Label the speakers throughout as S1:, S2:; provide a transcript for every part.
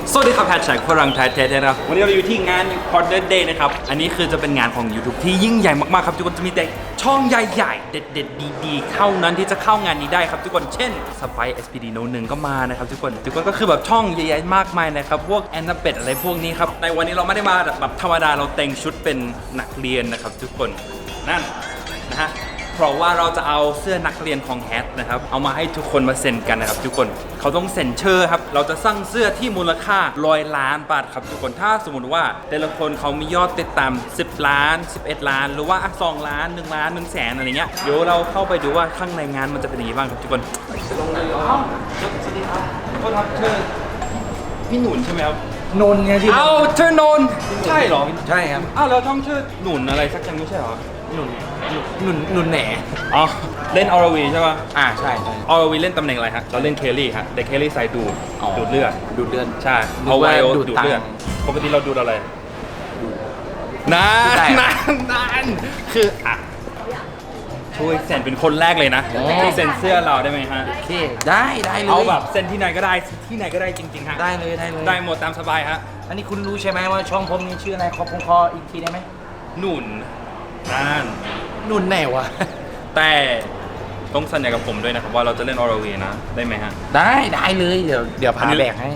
S1: สวัสดีครับแฮชแท็กฝรั่งไทยแท้ๆนะครับวันนี้เราอยู่ที่งาน Partner Day นะครับอันนี้คือจะเป็นงานของ YouTube ที่ยิ่งใหญ่มากๆครับทุกคนจะมีแต่ช่องใหญ่ๆเด็ดๆดีๆเท่านั้นที่จะเข้างานนี้ได้ครับทุกคนเช่น Spy SPD No 1ก็มานะครับทุกคนก็คือแบบช่องใหญ่ๆมากมายนะครับพวกแอนนาเบตอะไรพวกนี้ครับในวันนี้เราไม่ได้มาแบบธรรมดาเราแต่งชุดเป็นนักเรียนนะครับทุกคนนั่นนะฮะเพราะว่าเราจะเอาเสื้อนักเรียนของแฮทนะครับเอามาให้ทุกคนมาเซ็นกันนะครับทุกคนเขาต้องเซ็นเชอร์ครับเราจะสร้างเสื้อที่มูลค่า100 ล้านบาทครับทุกคนถ้าสมมติว่าแต่ละคนเขามียอดติดตาม10 ล้าน11 ล้านหรือว่า2 ล้าน1 ล้าน1 แสนอะไรเงี้ยเดี๋ยวเราเข้าไปดูว่าข้างในงานมันจะเป็นยังไงบ้างครับทุกคนลงเลยสวัสดีครับโทษครับเชิญพี่หนุนใช่ไหมครับ
S2: นนไงที่
S1: เอาเชิญนนใช่เหรอ
S2: ใช่ครับ
S1: อ้าวเราต้องชื่อหนุนอะไรสักอย่างไม่ใช่เหรอ
S2: หนุนแหน
S1: อ๋อเล่นออร์วีใช่ป่ะ
S2: ใช่
S1: ออร์วีเล่นตำแหน่งอะไรฮะเราเล่นเคลลี่ฮะแต่เคลลี่ใส่ดูดเลือด
S2: ดูดเลือด
S1: ใช่
S2: นึ
S1: เอา
S2: ก
S1: ไว
S2: ว่า
S1: โอ
S2: ดูด
S1: ดูด
S2: ตังค์
S1: เลือดปกติเราดูดอะไรนาน
S2: ได้
S1: นานคืออ่ะช่วยเซ็นเป็นคนแรกเลยนะที่เซ็นเสื้อเราได้ไหมฮะ
S2: โอเคได้เลย
S1: เอาแบบเซ็นที่ไหนก็ได้ที่ไหนก็ได้จริงๆฮะ
S2: ได้เลย
S1: ได้หมดตามสบายฮะ
S2: อันนี้คุณรู้ใช่ไหมว่าช่องผมนี่ชื่ออะไรขอผมขออีกทีได้ไหม
S1: หนุนนั่น
S2: หนุนแหนวะ
S1: แต่ต้องสัญญากับผมด้วยนะครับว่าเราจะเล่นออร์วีนะได้ไหมฮะ
S2: ได้เลยเดี๋ยวพาแบกให้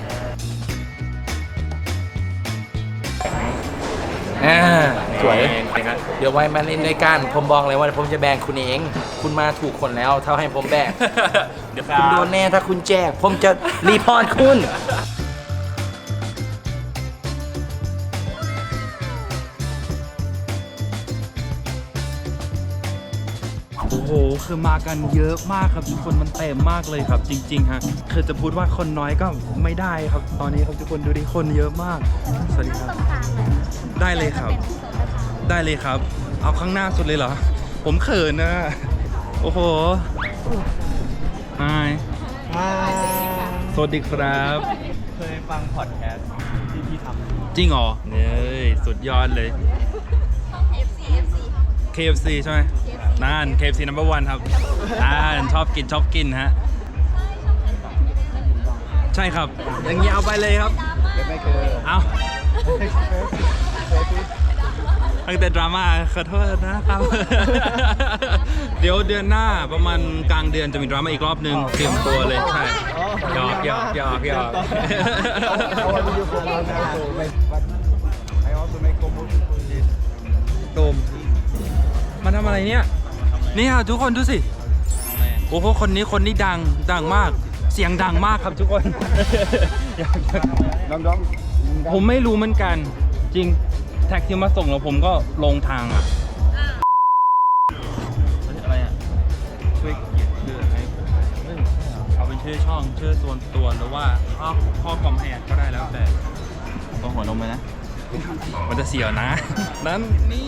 S2: สวย
S1: ครับ
S2: เดี๋ยวไว้มาเล่นด้วยกันผมบอกเลยว่าผมจะแบกคุณเอง คุณมาถูกคนแล้วเท่าให้ผมแบก
S1: เดี๋ยว
S2: คุณโดนแน่ถ้าคุณแจกผมจะรีพอร์ตคุณ
S1: โอ้โหคือมากันเยอะมากครับทุกคนมันเต็มมากเลยครับจริงๆฮะคือจะพูดว่าคนน้อยก็ไม่ได้ครับตอนนี้ครับทุกคนดูดิคนเยอะมากสวัสดีครับได้เลยครับได้เลยครับเอาข้างหน้าสุดเลยเหรอผมเขินนะโอ้โหสวัสดีครับ
S3: เคยฟังพอดแคสต์ที่พี่ทำ
S1: จริงเหรอเนี่ยสุดยอดเลย KFC ใช่ไหมนั่น KFC number one ครับชอบกินฮะใช่ครับอย่างนี้เอาไปเลยครับไม่เคยเอาตั้งแต่ดราม่าขอโทษนะครับ เดี๋ยวเดือนหน้าประมาณกลางเดือนจะมีดราม่าอีกรอบนึงเตรียมตัวเลยใช่หยอกตูมมันทำอะไรเนี่ยนี่ค่ะทุกคนดูสิโอ้โหคนนี้ดังมากเสียงดังมากครับทุกคน ผมไม่รู้เหมือนกันจริงแท็กที่มาส่งแล้วผมก็ลงทางอ่ะอะไรอ่ะช่วยเขียนชื่อให้ผมเอาเป็นชื่อช่องชื่อส่วนตัวหรือว่าข้อกล่อมให้ก็ได้แล้วแต่ต้องหัวนมไหมนะมันจะเสียวนะนั้นนี่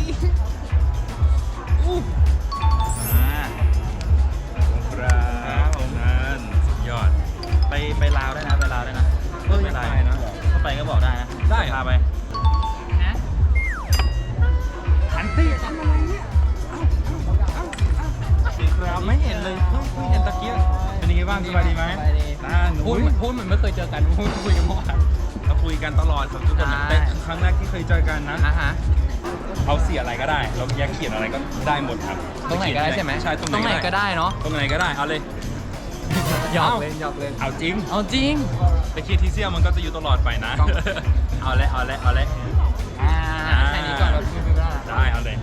S1: ครับผมนั่นสุดยอด
S3: ไปลาวได้นะไปลาวได้นะไม่ได้นะถ้าไปก็บอกได้นะ
S1: ได้
S3: พาไป
S1: ขันตี้ทำอะไรเนี่ยครับไม่เห็นเลยเพิ่งเห็นตะเกียบเป็นยังไงบ้างสบายดีไหมพูดเหมือนไม่เคยเจอกันพูดคุยกันเมื่อวานเราคุยกันตลอดครับทุกคนแต่ครั้งแรกที่เคยเจอกันนะเอาเสียอะไรก็ได้เราอยากเขียนอะไรก็ได้หมดครับ
S4: ตรงไหนก็ได้ใช่ไหม
S1: ใช่ตรงไหนก็
S4: ก็
S1: ได้
S4: ได้เนาะ
S1: ตรงไหนก็ได้เอาเลย
S4: หยอกเล่นหยอกเล่น
S1: เอาจริง
S4: เอาจริง
S1: แต่คีย์ที่เสียมันก็จะอยู่ตลอดไปนะ
S4: ต้อง
S1: เอาเลย
S4: แค่นี้ก่อนเราพูดไม่ได้
S1: ได้เอาเลย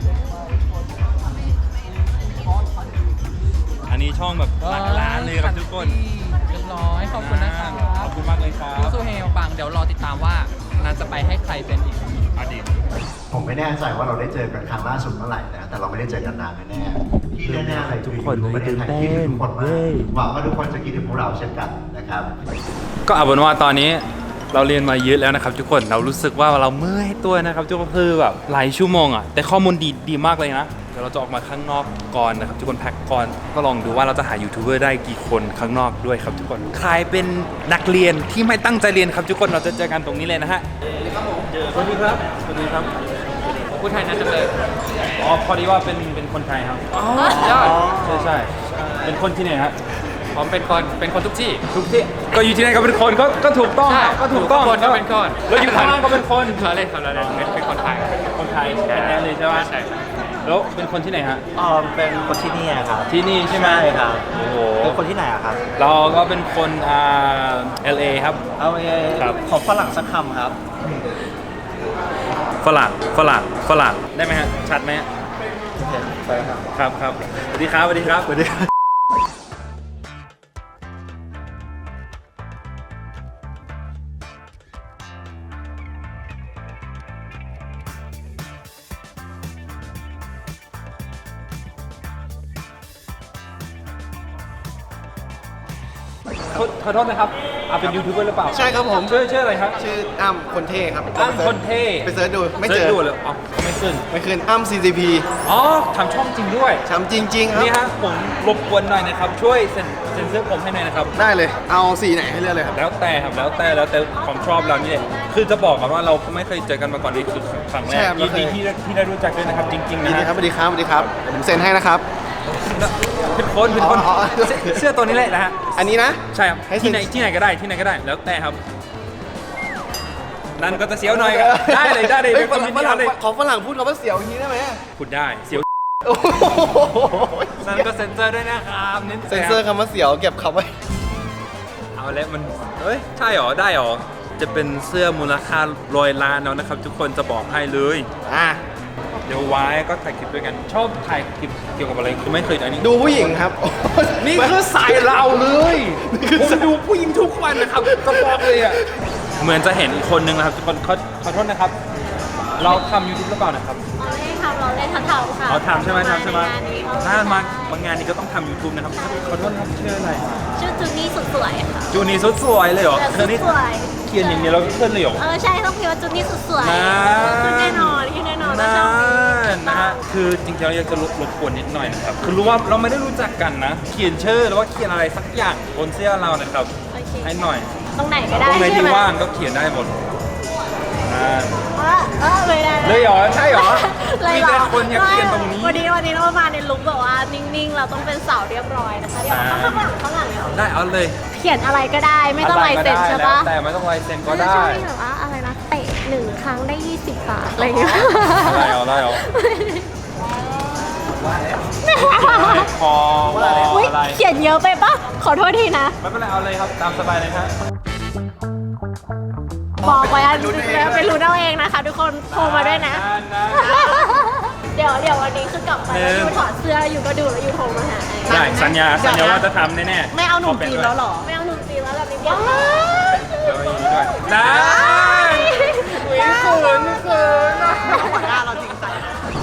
S1: อันนี้ช่องแบบหลักล้านเลยครับทุกคน
S4: เรียบร้อยขอบคุณนะครับ
S1: ขอบคุณมากเลยครับ
S4: ยูซูเฮลปังเดี๋ยวรอติดตามว่านันจะไปให้ใครเป็นอีก
S1: อดีต
S5: ผมไม่แน่ใจว่าเราได้เจอกันครั้งล่าสุดเมื่อไหร่นะ แต่เราไม่ได้เจอกันนานแน่ๆที่แน่ๆเลยทุกคนประเทศไทยคิดถึงทุกคนมากหวังว่าทุกคนจะคิดถึงพวกเราเช่นกันนะครับ
S1: ก็เอาเป็นว่าตอนนี้เราเรียนมาเยอะแล้วนะครับทุกคนเรารู้สึกว่าเราเมื่อยตัวนะครับทุกคนคือแบบหลายชั่วโมงอ่ะแต่ข้อมูลดีมากเลยนะเดี๋ยวเราจะออกมาข้างนอกก่อนนะครับทุกคนแพ็คก่อนก็ลองดูว่าเราจะหายูทูบเบอร์ได้กี่คนข้างนอกด้วยครับทุกคนใครเป็นนักเรียนที่ไม่ตั้งใจเรียนครับทุกคนเราจะเจอกันตรงนี้เลยนะฮะสวัสดีครับสวัสดีครับ
S4: พูดไทยน่าจะเลย
S1: อ๋อพอดีว่าเป็นคนไทยครับ
S4: ยอด
S1: ใช่เป็นคนที่ไหนฮะ
S4: ผมเป็นคนทุกที่
S1: ทุกที่ก็อยู่ที่ไหนก็เป็นคนก็ถูกต้อง
S4: ใช่
S1: ก็ถูกต้อง
S4: คนก็เป็นคน
S1: แล้วอยู่ข้างล่างก็เป็นคน
S4: เราเล่นเป็นคนไทย
S1: คนไทยแท้ๆเลยใช่ไหม
S4: ใช่
S1: แล้วเป็นคนที่ไหนฮะ
S6: เป็นคนที่นี่ครับ
S1: ที่นี่ใช่ไหม
S6: ใช่ครับ
S1: โอ้โห
S6: เป็นคนที่ไหนอะครับ
S1: เราก็เป็นคนLA ครับ
S6: เอา
S1: ครับ
S6: ของฝรั่งสักคำครับ
S1: ฝรั่งได้ไหมฮะชัดไหมฮะ
S6: โอเคไปครับ
S1: ครับสวัสดีครับสวัสดีครับสวัสดีครับขอโทษนะครับเป็นยูทูบเบอร์หรือเปล่า
S7: ใช่ครับผม
S1: ชื่ออะไรครับ
S7: ชื่ออ้ำคนเท่ครับ
S1: อ้ำคนเท่
S7: ไปเสิร์ชดูไม่เจ
S1: สิร์
S7: อ
S1: ชดูเลยไม่ขึ้น
S7: ไม่คืนอ้ำ CCP
S1: อ๋อทำช่องจริงด้วย
S7: ช้ำจริง ๆ ครับ
S1: นี่ฮะผมรบกวนหน่อยนะครับ ช่วยเซ็นเซอร์ผมให้หน่อยนะครับ
S7: ได้เลย เอาสีไหนให้เลือกเลยครับ
S1: แล้วแต่ครับแล้วแต่ผมชอบเรานี่แหละคือจะบอกกันว่าเราไม่เคยเจอกันมาก่อนนี่คือครั้งแร
S7: ใช่
S1: ก
S7: ครับ
S1: ยินดี
S7: เราเคย
S1: ที่ได้รู้จักด้วยนะครับจริงๆ
S7: ยิ
S1: นะ
S7: นดี
S1: ฮะ
S7: ครับสวัสดีครับสวัสดีครับเดี๋ยวผมเซ็นให้นะครับ
S1: เป็นคน
S7: อ๋อ
S1: เสื้อตัวนี้แหละนะฮะ
S7: อันนี้นะ
S1: ใช่ครับ
S7: ให้เซ็
S1: ที่
S7: น
S1: ไหนก็ได้แล้วแต่ครับ นั่นก็จะเสียวหน่อยก็ได้เลย
S7: ฮ้
S1: เดี๋ยว
S7: ฝ
S1: ก็
S7: รั่
S1: มี
S7: งฝ
S1: ที่
S7: รั่ง
S1: เลย
S7: ของฝรั่งพูดคำว่าเสียวอย่างนี้ได้ไหม
S1: พูดได้เสียว
S7: โอ้โห
S1: นั่นก็เซ็นเซอร์ด้วยนะครับนิด
S7: เซ็นเซอร์คำว่าเสียวเก็บคำไว้
S1: เอาแล้วมันเอ้ยใช่หรอได้หรอจะเป็นเสื้อมูลค่า100 ล้านแล้วนะครับ ทุกคนจะบอกให้เลย
S7: อ่ะ
S1: เดี๋ยวไว้ก็ถ่ายคลิปด้วยกัน ชอบถ่ายคลิปเกี่ยวกับอะไรคือไม่เคยอันนี้
S7: ดูผู้หญิงครับ
S1: นี่คือสายเราเลยผมดูผู้หญิงทุกวันนะครับจะบอกเลยอ่ะเหมือนจะเห็นอีกคนนึงนะครับทุกคนขอโทษนะครับ เราทำยูทูบหรือเปล่านะครับ
S8: เราเล่นทำเราเล่นทั้งทำค่ะ
S1: เราทำใช่ไหม
S8: งานนี้
S1: ถ้ามางานนี้ก็ต้องทำ YouTube นะครับขอโทษนะครับชื่ออะไร
S8: ชื่อจูนี่สุดสวยค่ะ
S1: จูนีสุดสวยเลยเหรอ
S8: แต่
S1: เธ
S8: สุ
S1: อ
S8: ด
S1: นี่
S8: สวย
S1: เขียนอย่างนี้เราก็ขึ้นเลยเหรอ
S8: ใช่ต้องพิมพ์ว่าจูนี่สุดสวย
S1: นะ
S8: ขึ้นแน่นอนแล้ว
S1: นั่
S8: ช่องนี้
S1: นนะฮะคือจริงๆเราอยากจะรบกวนนิดหน่อยนะครับคือรู้ว่าเราไม่ได้รู้จักกันนะ เขียนชื่อหรือว่าเขียนอะไรสักอย่างบนเสื้อเรานะครับ
S8: โอเค
S1: ให้หน่อย
S8: ตรงไหนก็ได้
S1: ตรงไหน
S8: ใช่
S1: ที่
S8: ไหม
S1: ว่างก็เขียนได้หมด
S8: เลยได้
S1: เลยเหรอใช่เหรอ
S8: เลย
S1: มี
S8: เหร
S1: แต่
S8: อ
S1: คนอยากเขียนตรงนี้
S8: วันนี้เรามาในลุคแบบว่านิ่งๆ เราต้องเป็นสาวเรียบร้อยนะคะเดี๋ยวข้างหลังเลย
S1: ได้เอาเลย
S8: เขียนอะไรก็ได้ไม่ต้องลายเซ็นใช่ปะ
S1: แต่ไม่ต้องลายเซ็นก็
S8: แล้ว
S1: ได้
S8: ช่วงนี้แบบว่าอะไรนะเตะ1 ครั้งได้ 20 บาทอะไรอย่างเงี้ย
S1: ได้เหรอพอ
S8: อุ๊ย
S1: อะไร
S8: เขียนเยอะไปปะขอโทษทีนะ
S1: ไม่เป็นไรเอาเลยครับตามสบายเลยครับ
S8: บอกไว้อะไปรู้เอาเองนะคะ ทุกคนโทรมาด้วยนะ เดี๋ยววันนี้คือกลับไปแล้วอยู่ถอดเสื้ออยู่ก็ดูแล้วอยู่โทรมาหา
S1: ได้สัญญาว่าจะทำแน่ๆ
S8: ไม่เอาหนุ่มจีนแล้วหรอ ไม่เอาหนุ่มจีนแล้วแบบนี้ว้าว
S1: เดี๋ยวอย่างนี้ด้วยได้เขินหัวหน้าเราจริงใจ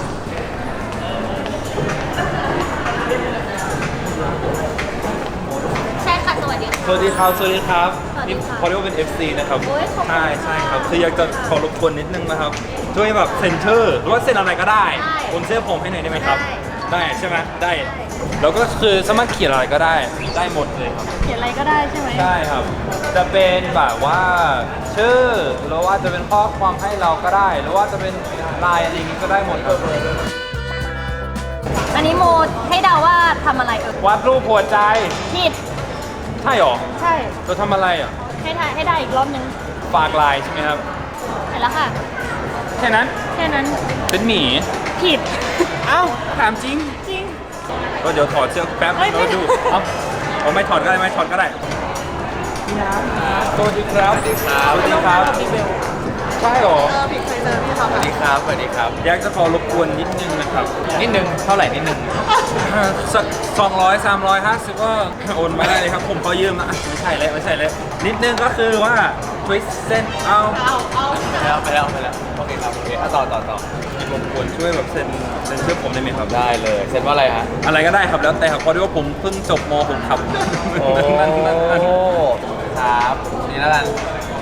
S8: ใช่ค่ะสวัสดีค่ะ
S1: สวัสดีครับ
S8: สวัสดี
S1: นี่
S8: ค่ะ
S1: พอเรียกว่าเป็น FC นะครับ
S8: โอ้ยขอบคุณ
S1: ใช่ครับคืออยากจะขอรบกวนนิดนึงนะครับ ช่วยแบบเซ็นเซอร์หรือว่าเซ็นอะไรก็ได้
S8: ได้
S1: บนเสื้อผมให้หน่อยได้ไหมครับ
S8: ได้
S1: ได้ใช่ไหมได้ แล้วก็คือสามารถเขียนอะไรก็ได้ ได้หมดเลยครับ
S8: เขียนอะไรก็ได้ใช่ไหม
S1: ใช่ครับ จะเป็นแบบว่าชื่อ หรือว่าจะเป็นข้อความให้เราก็ได้ หรือว่าจะเป็นไลน์อะไรอย่างนี้ก็ได้หมดครับ
S8: อันนี้โมให้เดาว่าทำอะไร
S1: วาดรูปหัวใจ
S8: ผิด
S1: ใช่หรอ
S8: ใช่
S1: เราทำอะไรอ่ะ
S8: ให้ได้อีกรอบนึง
S1: ฝากไลน์ใช่ไหมครับ
S8: เห็นแล้วค่ะ
S1: แค่นั้น
S8: แค่นั้น
S1: เป็นหมี
S8: ผิด
S1: เอ้า ถามจริง
S8: จริง
S1: ก็เดี๋ยวถอดเสื้อแป๊บ
S8: เอ้ย
S1: แล้วดู เอ้าผมไม่ถอดก็ได้ไม่ถอดก็ได้พี่น้ำสวัสดีครับ สวัสดีครับ สวัสดีครับใช่หรอ
S8: ผิดเคยเจอพี่เขา
S6: สวัสดีครับ สวัสดีครับ
S1: อยากจะขอรบกวนนิดนึงนะครับ
S6: นิดนึง เท่าไหร่นิดนึง
S1: สัก200 350ก็โอนมาได้เลยครับ ผมขอยืมนะอ่ะไม่ใช่เลยนิดนึงก็คือว่าช่วยเซ็นเอา
S6: ไปแล้ว โอเคครับ โอเคต่อ
S1: รบกวนช่วยแบบเซ็นชื่อผมได้ไหมครับ
S6: ได้เลย เซ็นว่าอะไรฮะ
S1: อะไรก็ได้ครับแล้วแต่ครับเพราะว่าผมเพิ่งจบม .6 ครับ
S6: โอ้
S1: นั่น
S6: ครับนี่แล้วกัน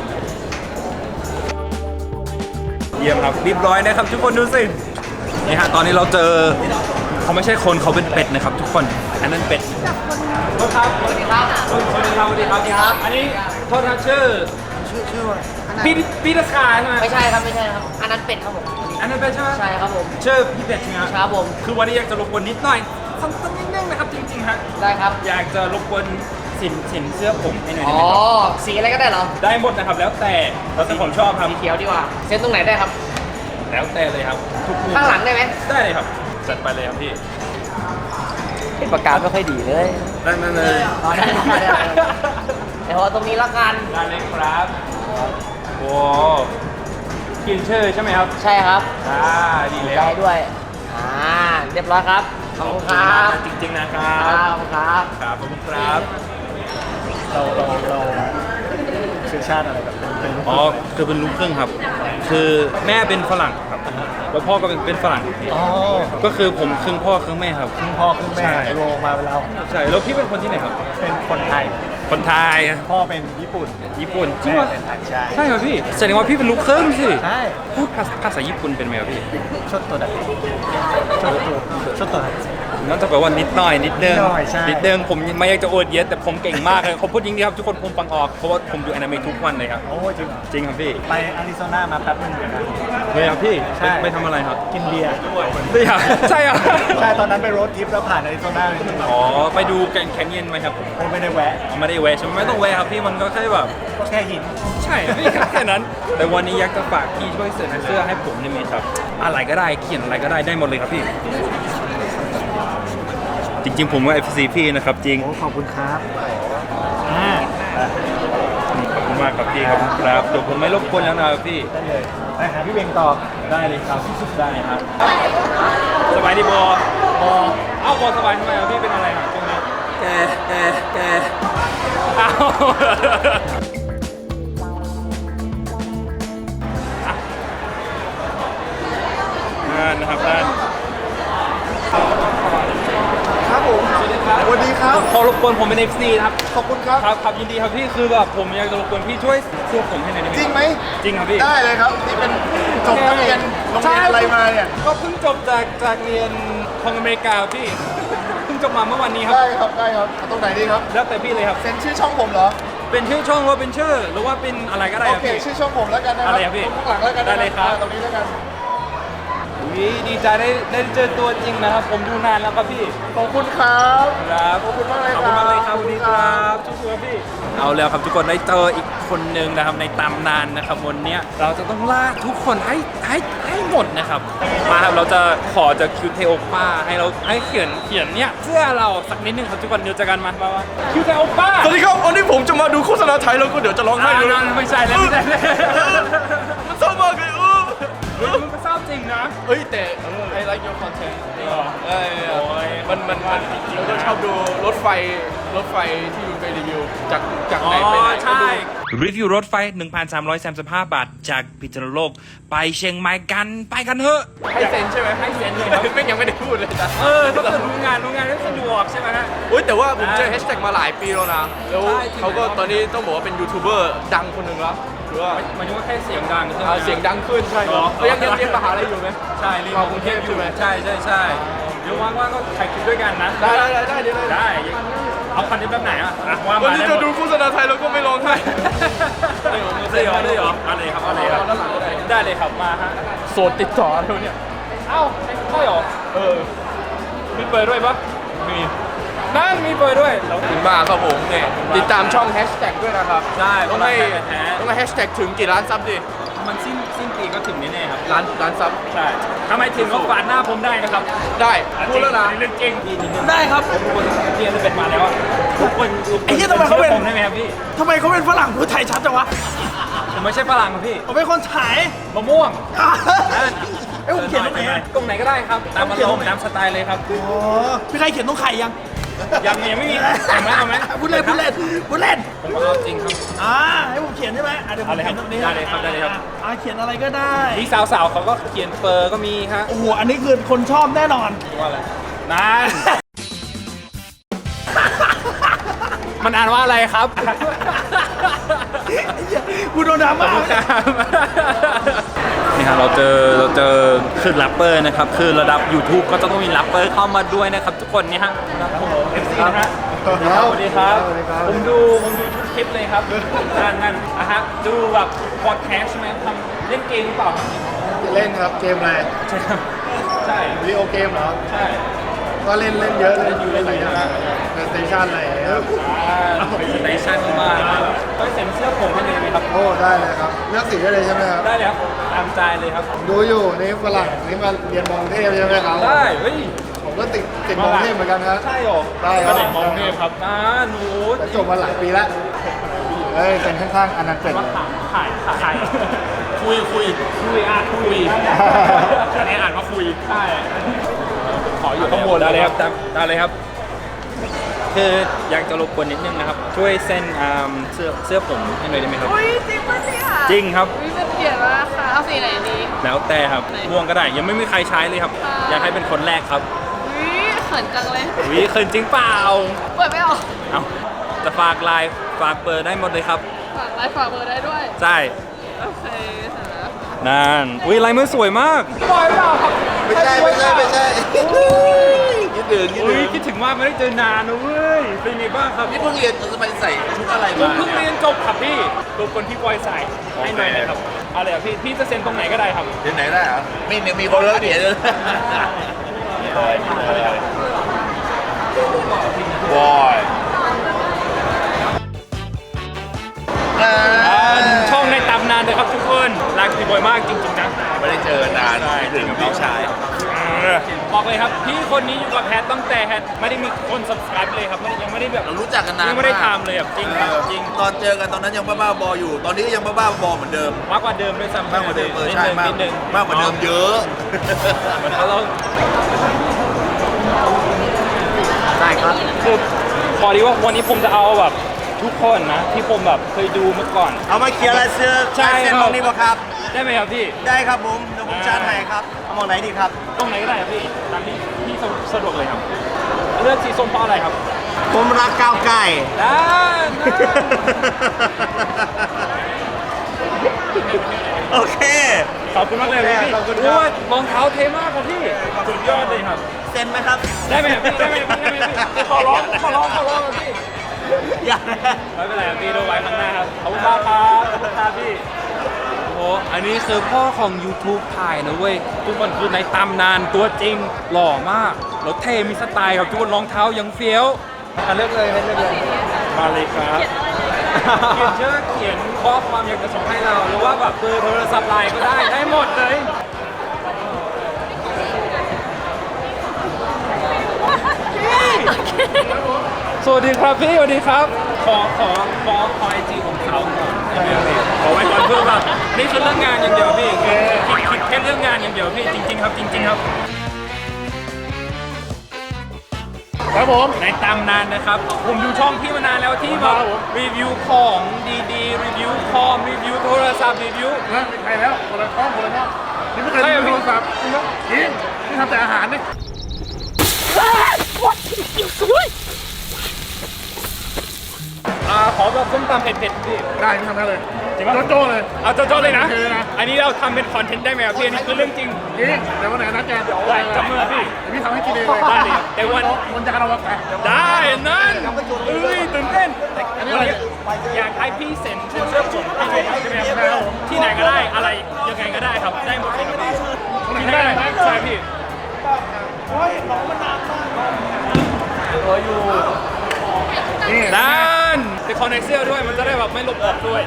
S1: เยี่ยมครับเรียบร้อยนะครับทุกคนดูสินี่ฮะตอนนี้เราเจอเขาไม่ใช่คนเขาเป็นเป็ดนะครับ ทุกคนอันนั้นเป็ดโทษครับสวัสดีครับสวัสดีครับอันนี้โทษครับชื่อพี่ตะขาใช่ไหม
S9: ไม่ใช่ครับ อันนั้นเป็ดครับผม
S1: อันนั้นเป็ดใช่ไหม
S9: ใช่ครับผม
S1: ชื่อพี่เป็ดใช่ไหมครับ
S9: ครับผม
S1: คือวันนี้อยากจะรบกวนนิดหน่อยสั้นๆนิดนึงนะครับจริงๆฮะ
S9: ได้ครับ
S1: อยากจะรบกวนสินเสื้อผมให้หน่อย
S9: อ๋
S1: ได้
S9: อ
S1: ไหมครับ
S9: สีอะไรก็ได้เหรอ
S1: ได้หมดนะครับแล้วแต่ผมชอบครับ
S9: สีเขียวดีกว่า เส้นตรงไหนได้ครับ
S1: แล้วแต่เลยครับทุกมุม
S9: ข้างหลังได้ไหม
S1: ได้เลยครับจัดไปเลยครับพี่
S9: เป็นปากกาไม่ค่อยดีเลย
S1: ได้มาเลย
S9: อ๋อได้เดี๋ยวเอาตรงนี้ละกัน
S1: ได้เลยครับโอ้กินชื่อใช่ไหมครับ
S9: ใช่ครับ
S1: ดีแล้
S9: ได้
S1: ว
S9: ด้วย เรียบร้อยครับ ขอบคุณครับ
S1: จริงๆนะครั
S9: ครับ บขอบคุณครับ
S1: ครับขอบคุณครับ
S7: เราเชื้อชาติอะไรแบบเป็น
S1: อ๋อคือเป็นลูกครึ่งครับ คือแม่เป็นฝรั่งครับแล้วพ่อก็เป็นฝรั่ง
S7: อ๋อ
S1: ก็คือผมครึ่งพ่อครึ่งแม่ครับ
S7: ครึ่งพ่อครึ่งแม่
S1: ใช่
S7: รวมมาเป็นเรา
S1: ใช่แล้วพี่เป็นคนที่ไหนครับ
S7: เป็นคนไทย
S1: คนไทย
S7: พ่อเป็นญี่ปุ่น
S1: ญี่ปุ่นจริง
S7: แม่
S1: เหรอ
S7: เป็นไทยใช่
S1: ใช่ครับพี่แสดงว่าพี่เป็นลูกครึ่งสิ
S7: ใช่
S1: พูดภาษาญี่ปุ่นเป็นไหมครับพี่
S7: ชดตัวดัดชดตัวดัด
S1: น่าจะแปลว่านิดหน่อยนิดนึง
S7: นิดหน่อยใช่
S1: นิดนึงผมไม่อยากจะอวดเยอะแต่ผมเก่งมากเลยเขาพูดจริงๆครับทุกคนผมฟังออกเพราะว่าผมดูอนิเมะทุกวันเลยครับ
S7: โอ้จริงเหรอ
S1: จริงครับพี่
S7: ไปอาริโซนามาแป๊บนึงเหมือนกัน
S1: เลยครับพี่
S7: ใช่
S1: ไปทำอะไรครับ
S7: กินเบียร์
S1: ใช่ครับใช่ครับ
S7: ใช่ตอนนั้นไปโรดทริปแล้วผ่านอาริโซนาเลย
S1: อ๋อไปดูแกรนด์แคนยอนไหมครับ
S7: โอ้ไม่ได้แวะ
S1: ไม่ได้แวะใช่ไหมไม่ต้องแวะครับพี่มันก็แค่แบบ
S7: ก็แค่หิน
S1: ใช่พี่แค่นั้น แต่วันนี้อยากจะฝากพี่ช่วยเสนอเสื้อให้ผมได้ไหมครับอะไรก็ได้เขียนอะไรก็ได้ได้หมดเลยครับพี่ จริงๆผมว่า FC พี่นะครับจริง
S7: โอ้ขอบคุณครับ
S1: ขอบคุณมากครับพี่ครับครับเดี๋ยวผมไม่รบกวนแล้วนะครับพี่
S7: ได้เลยไปหาพี่เบงต่อ
S1: ได้เลยครับได้ครับสบายดีบอเอ้าบอสบายทำไมครับพี่เป็นอะไรครับตรงนี้แกเอ้านะครับท่าน
S7: ครับผม
S1: สวัสดีครับ
S7: สวัสดีครับ
S1: ขอรบกวนผมเป็น FC นะครับ
S7: ขอบคุณครับ
S1: ครับยินดีครับพี่คือแบบผมอยากจะรบกวนพี่ช่วยเสื้อผมให้หน่อยได้ไหม
S7: จริงไหม
S1: จริงครับพี่
S7: ได้เลยครับ นี่เป็นจบนักเรียนโรงเรียนอะไรมาเนี่ย
S1: ก็เพิ่งจบจากเรียนของอเมริกาพี่เพิ่งจบมาเมื่อวันนี้ครับ
S7: ได้ครับได้ครับเอาตรงไหนดีครับ
S1: แล้วแต่พี่เลยครับ
S7: เซ็นชื่อช่องผมเหรอ
S1: เป็นชื่อช่องหรือว่าเป็นชื่อหรือว่าเป็นอะไรก็ได้
S7: โอ
S1: ครับ
S7: เค
S1: พี่
S7: ชื่อช่องผมแล้วกันนะครั
S1: อะไรครับพี่
S7: ข้างหลังแล้วกันนะ
S1: ได้เลยครับ
S7: ตรงนี้แล้วกัน
S1: อุ๊ยดีใจได้เจอตัวจริงนะครับ ผมดูนานแล้วครับพี่
S7: ขอบคุณครับ
S1: ครับ
S7: ขอบคุณมากเลย
S1: ขอบคุณมากเลยครับ
S7: ครับ
S1: สวัสดีครับชุกๆพี่เอาแล้วครับทุกคนได้เจออีกคนหนึ่งนะครับในตำนานนะครับวันเนี้ยเราจะต้องลากทุกคนให้หมดนะครับมาครับเราจะขอจากคิวเทโอป้าให้เขียนเนี่ยเสื้อเราสักนิดนึงครับทุกคนเดี๋ยวเจอกันมาคิวเทโอป้า
S6: สวัสดีครับวันนี้ผมจะมาดูโฆษณาไทยแล้วก็เดี๋ยวจะร้องไห้ด้วย
S1: ไม่ใช่แล้วไม่ใช่แล้ว
S6: มันเศร้ามากเลย
S1: มันก็เศร้าจริงนะ
S6: เฮ้ยแต่ I like your content มันเราก็ชอบดูรถไฟที่คุณไปรีวิวจากไหนไปไหน
S1: ใช่ รีวิวรถไฟ 1,335 บาท จากพิษณุโลกไปเชียงใหม่กันไปกันเถอะ
S6: ให้เซ็นใช่ไหม
S1: ให้เซ็นเลยครับ
S6: ไม่ยังไม่ได้พูดเลยนะ
S1: ต้องดูงานได้สะดวกใช่ไหมฮะ
S6: อุ้ยแต่ว่าผมเจอแฮชแท็กมาหลายปีแล้วนะ แล้ว
S1: ใช่จริง
S6: เขาก็ตอนนี้ต้องบอกว่าเป็นยูทูบเบอร์ดังคนหนึ่งแล้วหรือว่า
S1: หมายถึงว่าแค่เสียงดังใช่ไหม
S6: เสียงดังขึ้นใช่ครับ
S1: อ๋อ
S6: ยังเรียนมหาลัยอยู่ไหม
S1: ใช่เรียน
S6: มากรุงเทพใช่ไหม
S1: ใช่เดี๋ยวว่างๆก็ถ่ายคลิปด้วยกันนะ
S6: ได้เดี๋ยวเลย
S1: ได้เอาคอนเทนต์แบบไหนอ่ะว่า
S6: วัน
S1: มา
S6: นี้
S1: ได้ห
S6: จะ
S1: มด
S6: ดูโฆษณาไทยแล้วก็ไม่ร้องไห้
S1: ได้เหรออะไรครับได้เลยครับมาฮะ
S6: โสดติดต่อเท่าเนี่ย
S1: เอ้าใช่เหรอมีเปิดด้วยปะมีนั่นมีเปิดด้วย
S6: ถึงมากครับผมเนี่ยติดตามช่องแฮชแท็กด้วยนะครับ
S1: ได้
S6: ต้องให้แฮชแท็กถึงกี่ล้านซับดิ
S1: มันสิ้นปีก็ถึงแน่ๆครับ
S6: ล้านซับ
S1: ใช่ทำไมถึงก็ฝาดหน้าผมได้นะครับ
S6: ได้พูดแล้วนะ
S1: เรื่องจริง
S2: ได้ครับ
S1: ทุกคนเรียนเป็นมาแล้วอะทุกคน
S2: ไอ้เหี้ยทำไมเขาเป็น
S1: ผมได้ไหมครับพี่
S2: ทำไมเขาเป็นฝรั่งพูดไทยชัดจังวะ
S1: ผมไม่ใช่ฝรั่งครับพี่
S2: ผมเป็นคนไทย
S1: มะม่วง
S2: ไอ้ยผมเขียนตรงไหนอะ
S1: ตรงไหนก็ได้ครับตามอารมณ์ตามสไตล์เลยครับ
S2: อ๋อพี่ใครเขียนตรงไข่ยัง
S1: ยังไม่มีเอาไหม
S2: พูดเล่น
S1: ผมเอาจริงครับ
S2: ให้ผมเขียนได้ไหมเดี๋ยวผม
S1: เอาเลยครั
S2: เขีย
S1: บ
S2: นตรงนี้
S1: ได้เลยครับได้เลยครับ
S2: เขียนอะไรก็ได้
S1: มีสาวๆเขาก็เขียนเฟอร์ก็มีฮะ
S2: โอ้โหอันนี้คือคนชอบแน่นอน
S1: ว่าอะไรนั่น มันอ่านว่าอะไรครับ
S2: กูโดนดราม่า
S1: นี่ครับเราเจอคือแรปเปอร์นะครับคือระดับ YouTube ก็จะต้องมีแรปเปอร์เข้ามาด้วยนะครับทุกคนนี่ฮะ FC นะฮะสวัสดีครับผมดูทุกคลิปเลยครับนั่นนะฮะดูแบบพอดแคสต์ใช่ไหมทำเล่นเกมหรือเปล่าครับ
S7: เล่นครับเกมอะไร
S1: ใช่ครับใช่
S7: วิดีโอเกมเหรอ
S1: ใช่
S7: ก็เล่นเยอะเล่นอยู่เล่นหลายอย่างสเตชันอะไรครับ
S1: เป็นสเตชันมากๆต้องเซ็นเสื้อผมให้เลยไหมครับ
S7: โอ้ได้เลยครับเลือกสีได้เลยใช่ไหมครับ
S1: ได้เลยครับตามใจเลยครับ
S7: ดูอยู่นี่ฝรั่งนี่มาเรียนมองเทพใช่ไหมครับ
S1: ได้เฮ้ย
S7: ผมก็ติดมองเทพเหมือนกันครับ
S1: ใช่หรอ
S7: ได้ครับ
S1: เด็กมองเทพครับหนู
S7: จบมาหลายปีแล้วเฮ้ยเป็นข้างๆอันนั้นเป็น
S1: ขายคุยอันนี้อ่านว่าคุยใช่ขออยู่ข้างบนได้เลยครับได้เลยครับคืออยากจะรบกวนนิดนึงนะครับช่วยเส้นเสื้อผมให้หน่อยได้ไหมครับ
S8: อุ้ยจริงปะเนี่ย
S1: จริงครับ
S8: อุ้ยเป็นเกียรติมากค่ะเอาสีไหนดี
S1: แล้วแต่ครับม่วงก็ได้ยังไม่มีใครใช้เลยครับ
S8: ค่ะ
S1: อยากให้เป็นคนแรกครับ
S8: อุ้ยเขินจังเลย
S1: วิเขินจริงเปล่า
S8: เปิดไม่ออก
S1: เอาจะฝากไลน์ฝากเบอร์ได้หมดเลยครับ
S8: ฝากไลน์ฝากเบอร์ได้ด้วย
S1: ใช่
S8: โอเคเสร็จแล้ว
S1: นั่นอุ้ยลายมือสวยมากปล่อยเปล่าครับ
S5: ไม่ใช่คิดถึง
S1: อุ้ยคิดถึงมากไม่ได้เจอนานนะเว้ยเป็นไงบ้างครับ
S5: นี่เพิ่งเรียนทำไมใส่ชุดอะไร
S1: ผม
S5: มา
S1: เพิ่งเรียนจบครับพี่รบกวนพี่บอยใส่ให้หน่อยนะครับเอาเลยครับพี่จะเซ็นตรงไหนก็ได้ครับ
S5: เรียนไหนได้เหรอมีคนเลิกเรียนเลยบอย
S1: ช่องในตำนานเลยครับทุกคนรักพี่บอยมากจริงๆนะ
S5: ไม่ได้เจอนานคิดถึงน้องชาย
S1: บอกเลยครับพี่คนนี้อยู่กับแพทตั้งแต่แพทไม่ได้มีคน subscribe เลยครับยังไม่ได้แบบ
S5: เรารู้จักกันนาน
S1: ยังไม่ได้ทำเลยครับจริงครับจริง
S5: ตอนเจอกันตอนนั้นยังบ้าๆบออยู่ ตอนนี้ก็ยังบ้าๆบอเหมือนเดิม
S1: มากกว่าเดิมด้วยซ้ำ
S5: มากกว่าเดิมใช่มาก
S1: นิดนึง
S5: มากกว่าเดิมเยอะ
S1: เหมือนเรา
S7: ได้ครับ
S1: คือพอดีว่าวันนี้ผมจะเอาแบบทุกคนนะที่ผมแบบเคยดูเมื่อก่อน
S10: เอามาเคลียร์ลายเสื้อ
S1: ใช่
S10: ลายเส้น
S1: ครับ
S10: ตรงนี้ป่ะครับ
S1: ได้ไหมครับพี่
S10: ได้ครับผมเดี๋ยวผมชาร์จให้ครับ เอามองไหนดีครับ
S1: ตรงไหนก็ได้ครับพี่ตามที่พี่สะดวกเลยครับเลือกสีส้มเพราะอะไรครับ
S10: ผมรักก้าวไก่
S1: ได้
S10: โอเค
S1: ขอบคุณมากเลยพี่
S10: ขอบคุณครับ
S1: โอ้ยรองเท้าเท่มากครับพี่สุดยอดเลยครับ
S10: เซ็นไหมครับ
S1: ได้ไหมครับพี่ได้ไหมครับพี่ขอร้องครับพี่
S10: อย่า
S1: ไม่เป็นไรครับพี่ดูไว้ข้างหน้าครับขอบคุณมากครับขอบคุณครับพี่โอ้อันนี้คือพ่อของ YouTube ถ่ายนะเว้ยทุกคนคือในตำนานตัวจริงหล่อมากแล้วเท่มีสไตล์ครับทุกคนรองเท้ายังเฟี้ยวเลือกเลยมาเลยครับเขียนชื่อเขียนข้อความอยากจะส่งให้เราหรือว่าแบบเบอร์โทรศัพท์ไลน์ก็ได้หมดเลยสวัสดีครับพี่สวัสดีครับขอไอจีของเขาก่อนขอไว้ก่อนเพื่อว่านี่คือเรื่องงานอย่างเดียวพี่คิดแค่เรื่องงานอย่างเดียวพี่จริงๆครับจริงๆครับ
S7: ครับผม
S1: ในตำนานนะครับ ผมดูช่องพี่มานานแล้วที่แบบรีวิวของดีๆรีวิวคอมรีวิวโทรศัพท์รีวิว
S7: แล้วมีใครแล้วคนละช่องนี่ไม่เคยดูโทรศัพท์จริงนี่ทำแต่อาหารนี่
S1: ขอแบบส้มตำเผ็ดๆพี่
S7: ได้ทำได้เลย
S1: จริงปะ
S7: โจ้เลย
S1: เอาโจ้ๆเลยนะ
S7: โอเคนะ
S1: อันนี้เราทำเป็นคอนเทนต์ได้ไหมครับพี่อันนี้คือเรื่องจริง
S7: จริงแต่วันไหนนัดแกเดี๋ยว
S1: ได้จับมือพี่
S7: พี่ทำให้กินเองเลย
S1: ได้เลยแต่วัน
S7: มันจะกระโดดไป
S1: ได้นั่นเอ้ยตื่นเต้น
S7: อันนี้อะไร
S1: อยากให้พี่เซ็นเสื้อผมให้เลยใช่ไหมครับที่ไหนก็ได้อะไรยังไงก็ได้ครับได้หมดเลยครับพี่ที่ไหนก็ได้ใช่พี่ด้านแต่คอนเนคเซลด้วยมันจะได้แบบไม่หลบออกด้วย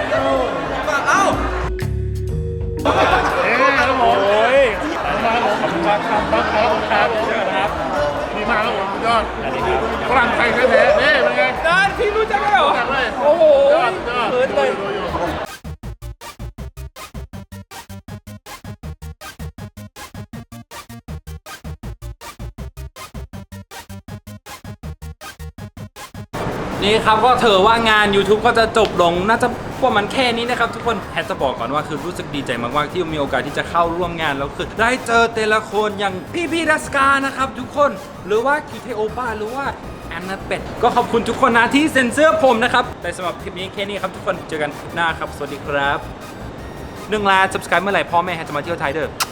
S7: ครับผม
S1: โอ้ย
S7: มาผมขอบคุณครับครับเชิญครับดีมากครับผมยอดฝรั่งไทยแท้ๆนี่เป็นไง
S1: ด้านพี่รู้จักไหมเหรอ
S7: รู้จักเลย
S1: โอ้โห
S7: ยอด
S1: เขินเลย นี่ครับก็ถือว่างาน YouTube ก็จะจบลงน่าจะประมาณแค่นี้นะครับทุกคนแพทจะบอกก่อนว่าคือรู้สึกดีใจมากๆที่มีโอกาสที่จะเข้าร่วมงานแล้วคือได้เจอแต่ละคนอย่างพี่ดัสกานะครับทุกคนหรือว่าคิวเทโอป้าหรือว่าแอนนาเป็ดก็ขอบคุณทุกคนนะที่เซ็นเซอร์ผมนะครับแต่สำหรับคลิปนี้แค่นี้ครับทุกคนเจอกันคลิปหน้าครับสวัสดีครับ1 ล้าน subscribe เมื่อไหร่พ่อแม่จะมาเที่ยวไทยเด้อ